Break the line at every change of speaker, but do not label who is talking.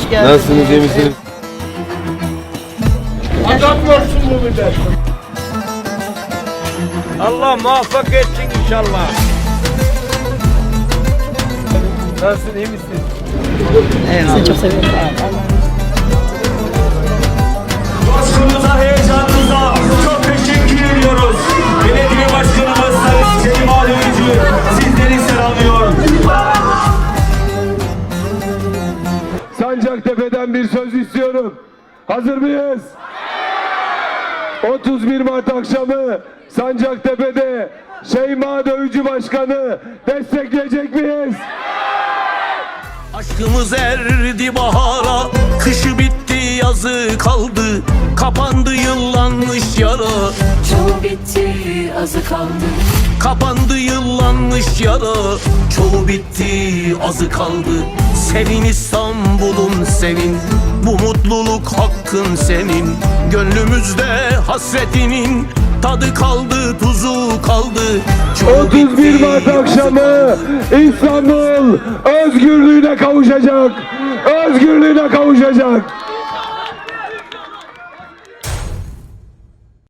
Hoş geldiniz.
Nasılsınız, iyi misiniz?
Adamlarsın bu millet. Allah muvaffak etsin inşallah. Nasılsın, iyi misin?
Evet, seni çok seviyorum.
Başkanımıza, heyecanınıza çok teşekkür ediyoruz. Belediye Başkanımız Sayın Selim Ağabeyci sizleri selamlıyor.
Sancaktepe'den bir söz istiyorum. Hazır mıyız? 31 Mart akşamı Sancaktepe'de Şeyma Dövücü Başkanı destekleyecek miyiz?
Aşkımız erdi bahara, kışı bitti yazı kaldı. Kapandı yıllanmış yara,
Çoğu bitti, azı kaldı.
kapandı yıllanmış yara. Çoğu bitti, azı kaldı. Sevin İstanbul'um sevin, bu mutluluk hakkın senin. Gönlümüzde hasretinin tadı kaldı, tuzu kaldı. Çoğu
31 Mart
bitti, azı
akşamı
kaldı.
İstanbul özgürlüğüne kavuşacak. Özgürlüğüne kavuşacak.